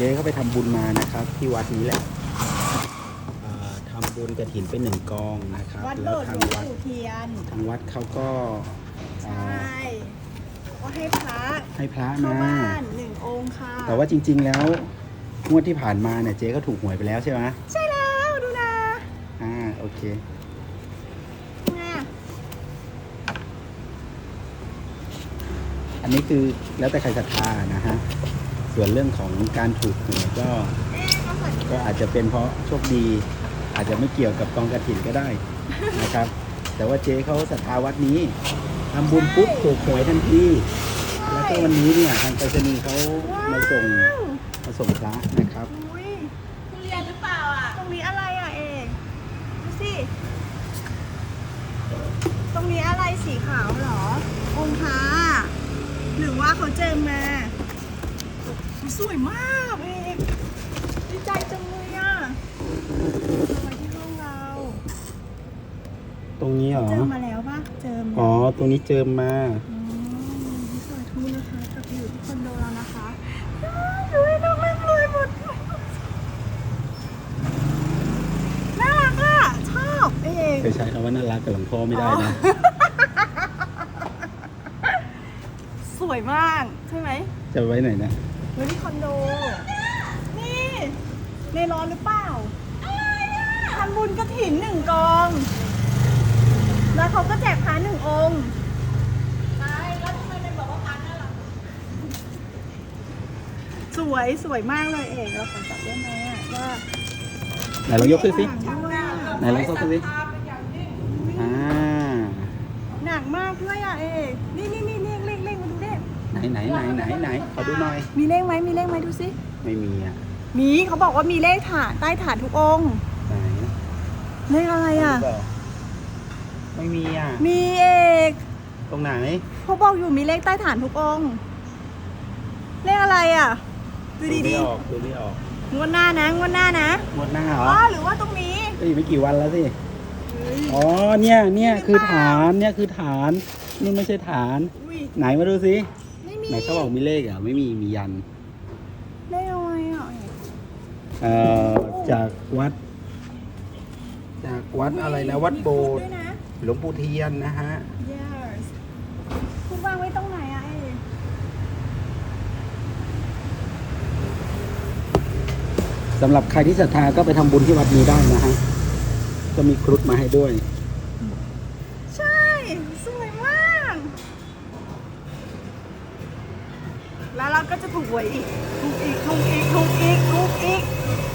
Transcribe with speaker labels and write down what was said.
Speaker 1: จ๊เขาไปทำบุญมานะครับ ที่วัดนี้แหละทำบุญกฐินไป1 กองนะครับ
Speaker 2: วัดโบ
Speaker 1: แล้ว
Speaker 2: สถ์
Speaker 1: ทาง
Speaker 2: หลวง
Speaker 1: วัด
Speaker 2: ปู่เทียน
Speaker 1: ทางวัดเขาก็
Speaker 2: ใช่ก็ให้พระ
Speaker 1: ให้พระ
Speaker 2: เข้า
Speaker 1: มา
Speaker 2: บ้าน1 องค์ค่ะ
Speaker 1: แต่ว่าจริง ๆ แล้วงวดที่ผ่านมาเนี่ยเจ๊ก็ถูกหวยไปแล้วใช่ไหม
Speaker 2: ใช่แล้วดูนะ
Speaker 1: โอเค
Speaker 2: ไง
Speaker 1: อันนี้คือแล้วแต่ใครศรัทธานะฮะส่วนเรื่องของการถูกหวยก็อาจจะเป็นเพราะโชคดี อาจจะไม่เกี่ยวกับกองกฐินก็ได้นะครับ แต่ว่าเจ๊เขาศรัทธาวัดนี้ทำบุญปุ๊บถูกหวยทันทีแล้วก็วันนี้เนี่ยทางไปรษณีย์เขามาส่งพระนะครับ
Speaker 2: อุ้ยทุเรียนหรือเปล่าอ่ะตรงนี้อะไรอ่ะเอกดูสิตรงนี้อะไรสีขาวเหรอองค์พระหรือว่าเขาเจิมมาสวยมากเอกดีใจจังเลยอ่ะมาที่ห้องเรา
Speaker 1: ตรงนี้เหรอ
Speaker 2: เจิมมาแล้วปะเจิม
Speaker 1: อ๋อตรงนี้เจิมมา
Speaker 2: สาธุนะคะกลับไปอยู่ที่คอนโดแล้วนะคะดูให้น้องเล่นเลยหมดน่ารักอ่ะชอบเอง
Speaker 1: เคยใช้คำว่าน่ารักกับหลวงพ่อไม่ได้นะ
Speaker 2: สวยมากใช่ไหม
Speaker 1: จะไว้ไหนนะ
Speaker 2: ไว้ที่คอนโดนี่ในร้อนหรือเปล่าทำบุญกฐิน1 กอง แล้วเขาก็แจกพระ1 องค์สวยมากเลยเอกเราขอจับได้ไหมอ่ะว่า
Speaker 1: ไหนลองยกขึ้นสิ
Speaker 2: หนักด้วยอะ
Speaker 1: ไหนลองยกขึ้นสิ
Speaker 2: หนักมากด้วยอ่ะเอกนี่เลขมาดูดิ
Speaker 1: ไหนขอดูหน่อย
Speaker 2: มีเลขไหมดูสิ
Speaker 1: ไม่มีอ่ะ
Speaker 2: มีเขาบอกว่ามีเลขฐานใต้ฐานทุกองค์
Speaker 1: ไหน
Speaker 2: เลขอะไรอ่ะ
Speaker 1: ดูเปล่าไม่มีอ่ะ
Speaker 2: มีเอก
Speaker 1: ตรงไหน
Speaker 2: เขาบอกอยู่มีเลขใต้ฐานทุกองค์เลขอะไรอ่ะดูดี
Speaker 1: ดูไม่ออก
Speaker 2: ๆงวดหน้านะ
Speaker 1: งวดหน้าเหรอ
Speaker 2: หรือว่าตรงนี้
Speaker 1: ก็อีกไม่กี่วันแล้วสิอ๋อเนี่ยคือฐานคือฐานนี่ไม่ใช่ฐาน
Speaker 2: อุ้ย
Speaker 1: ไหนมาดูสิ
Speaker 2: ไม่มี
Speaker 1: ไหนเขาบอกมีเลขอ่ะไม่มียัน
Speaker 2: เลขอะไรอ่ะ
Speaker 1: จากวัดอะไรนะวัดโบสถ์
Speaker 2: ด้วยนะ
Speaker 1: หลวงปู่เทียนนะฮะ
Speaker 2: yes คุณวางไว้ตรงไหนอ่ะเอก
Speaker 1: สำหรับใครที่ศรัทธาก็ไปทำบุญที่วัดนี้ได้นะฮะก็มีครุฑมาให้ด้วย
Speaker 2: ใช่สวยมากแล้วเราก็จะถูกหวยอีกถูกอีก